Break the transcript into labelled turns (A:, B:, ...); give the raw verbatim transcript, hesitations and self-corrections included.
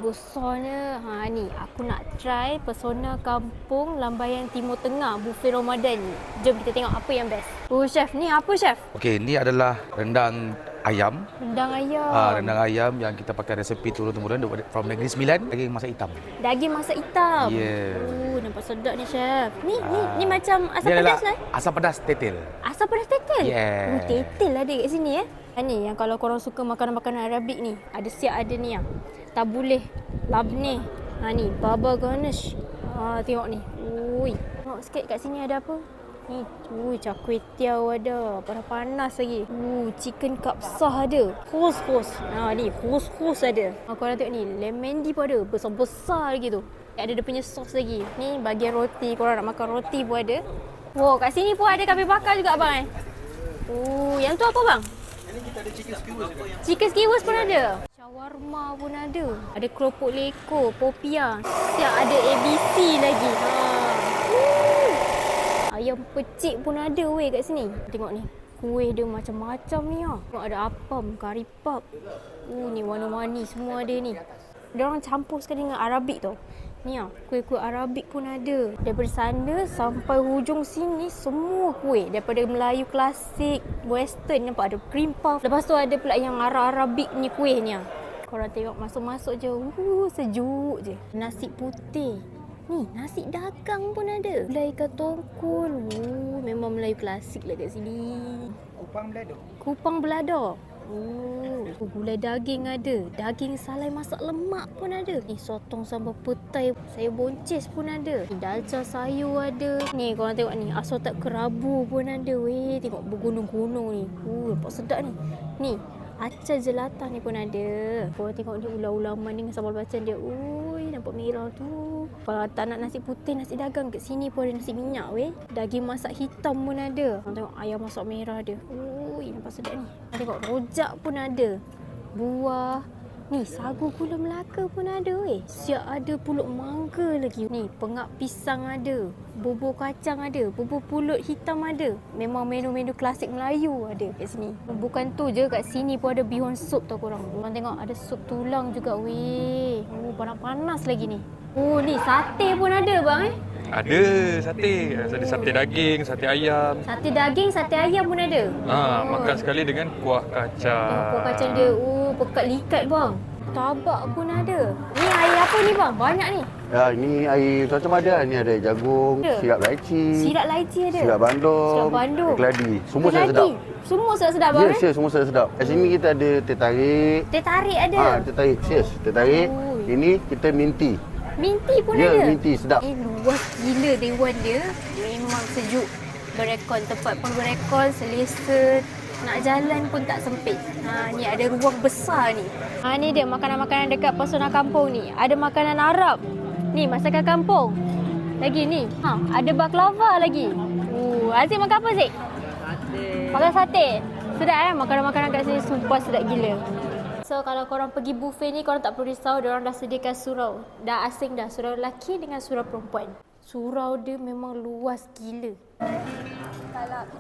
A: besarnya. Ha ni, aku nak try Pesona Kampung Lambaian Timur Tengah buffet Ramadan ni. Jom kita tengok apa yang best. Oh chef, ni apa chef?
B: Okey, ni adalah rendang ayam.
A: Rendang ayam.
B: Ah, rendang ayam yang kita pakai resepi turun-temurun from Negeri Sembilan, daging masak hitam.
A: Daging masak hitam.
B: Yeah.
A: Oh, nampak sedap ni chef. Ni
B: Ah.
A: ni ni macam asam
B: Ni
A: pedas
B: adalah
A: lah.
B: asam pedas tetel.
A: Asam pedas tetel.
B: Yeah.
A: Oh, tetel ada kat sini eh. Ha ni yang kalau korang suka makanan-makanan Arabik ni, ada siap ada ni ah. Tabuleh, labneh. Ha ni, baba garnish. Ha tengok ni. Ui. Tengok sikit kat sini ada apa? Ni, ui, char kway teow ada. Panas-panas lagi. Uh, chicken kapsah ada. Khus-khus. Ha ni, khus-khus ada. Ha, korang tengok ni, lemon di pun ada. Besar-besar lagi tu. Ada dia punya sos lagi. Ni bagian roti. Korang nak makan roti pun ada. Wow, kat sini pun ada kambing bakar juga abang eh. Oh, yang tu apa bang?
C: Ini kita ada chicken skewers.
A: Chicken skewers pun ada. Shawarma pun ada. Ada keropok leko, popia. Siap ada A B C lagi. Ha. Uh. Ayam pecik pun ada weh kat sini. Tengok ni. Kuih dia macam-macam ni ah. Tengok ada apam, kari pap. Uh ni warna-warni semua ada ni. Dia orang campur sekali dengan Arabik tau. Ni ah, kuih-kuih Arabik pun ada. Daripada sana sampai hujung sini semua kuih. Daripada Melayu klasik, western, nampak ada cream puff. Lepas tu ada pula yang Arab-Arabik ni kuih ni ah. Korang tengok masuk-masuk je. Uh, sejuk je. Nasi putih. Ni, nasi dagang pun ada. Gulai ikan tongkol. Uh, memang Melayu klasik lah kat sini.
C: Kupang belado.
A: Kupang belada. Oh, gulai daging ada. Daging salai masak lemak pun ada. Ni sotong sambal petai, sayur boncis pun ada. Ni dalca sayur ada. Ni korang tengok ni, assorted kerabu pun ada. Weh, tengok bergunung-gunung ni. Uh, nampak sedap ni. Ni, acar jelata ni pun ada. Korang tengok ni ulam-ulaman dengan sambal bacang dia. Ui, nampak merah tu. Kalau tak nak nasi putih, nasi dagang, kat sini pun ada nasi minyak weh. Daging masak hitam pun ada. Korang tengok ayam masak merah dia. Ui, nampak sedap ni. Korang tengok rojak pun ada. Buah. Ni, sagu gula Melaka pun ada weh. Siap ada pulut mangga lagi. Ni, pengak pisang ada. Bubur kacang ada. Bubur pulut hitam ada. Memang menu-menu klasik Melayu ada kat sini. Bukan tu je, kat sini pun ada bihun sup tau korang. Korang tengok ada sup tulang juga weh. Oh, panas-panas lagi ni. Oh, ni sate pun ada bang eh.
D: Ada sate. Ada sate daging, sate ayam.
A: Sate daging, sate ayam pun ada.
D: Ha,
A: Oh.
D: makan sekali dengan kuah kacang.
A: Tengok kuah kacang dia. Oh, pekat likat bang. Tabak pun ada. Ni air apa ni bang? Banyak ni.
E: Ya, ini air macam ada. Ni ada jagung,
A: Ada.
E: sirap laici,
A: Sirap laici ada.
E: sirap bandung,
A: Sirap bandung.
E: air keladi. Semua
A: Keladi.
E: sedap.
A: Semua sedap-sedap bang
E: Yes,
A: eh?
E: yes, semua sedap. Kat sini kita ada teh tarik.
A: Teh tarik ada.
E: Ha, teh tarik. Yes, teh tarik.
A: Oh.
E: Ini kita minti.
A: Minti pun
E: Ya,
A: ada.
E: minti sedap.
A: Eh, luas gila dewan dia. Memang sejuk. Berekon, tempat pun berekon, selesa. Nak jalan pun tak sempit. Ha, ni ada ruang besar ni. Ha, ni dia makanan-makanan dekat Pesona Kampung ni. Ada makanan Arab. Ni, masakan kampung. Lagi ni. Ha, ada baklava lagi. Uh, Aziz makan apa, Zik? Sate. Makan sate. Sedap eh? Makanan-makanan kat sini sumpah sedap gila. So kalau korang pergi buffet ni, korang tak perlu risau, diorang dah sediakan surau. Dah asing dah, surau lelaki dengan surau perempuan. Surau dia memang luas gila. Kalau